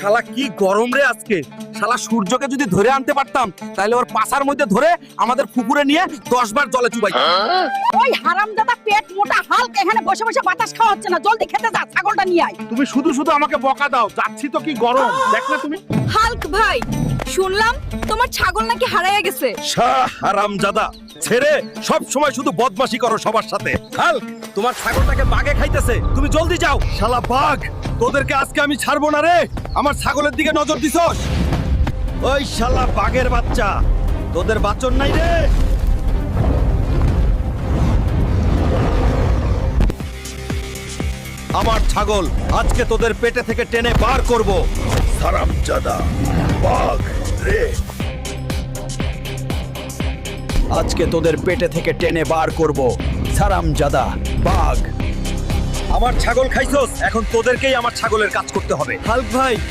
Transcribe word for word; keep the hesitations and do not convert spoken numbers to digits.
শালা কি গরম রে আজকে। শালা সূর্যকে যদি ধরে আনতে পারতাম তাহলে ওর পাছার মধ্যে ধরে আমাদের পুকুরে নিয়ে দশ বার জলে চুবাই। ওই হারামজাদা পেট মোটা হালকা এখানে বসে বসে বাতাস খাওয়া হচ্ছে না, জলদি খেতে যা, ছাগলটা নিয়ে আয়। তুমি শুধু শুধু আমাকে বকা দাও, যাচ্ছি তো কি গরম দেখ না তুমি। হাল্ক ভাই, শুনলাম তোমার ছাগল নাকি হারাইয়া গেছে। শাহ হারামজাদা, ছেড়ে সব সময় শুধু বদমাশি করো সবার সাথে। হাল্ক, তোমার ছাগলটাকে বাঘে খাইতেছে, তুমি জলদি যাও। শালা বাঘ, তোদেরকে আজকে আমি ছাড়বো না রে। আমার ছাগলের দিকে নজর দিছস? ওই শালা বাঘের বাচ্চা, তোদের বাচন নাই রে। আমার ছাগল আজকে তোদের পেটে থেকে টেনে বার করব। হারামজাদা বাঘ রে, আজকে তোদের পেটে থেকে টেনে বার করব। হারামজাদা বাঘ, আমার ছাগল খাইছস, এখন তোদেরকেই আমার ছাগলের কাজ করতে হবে। হাল্ক ভাই,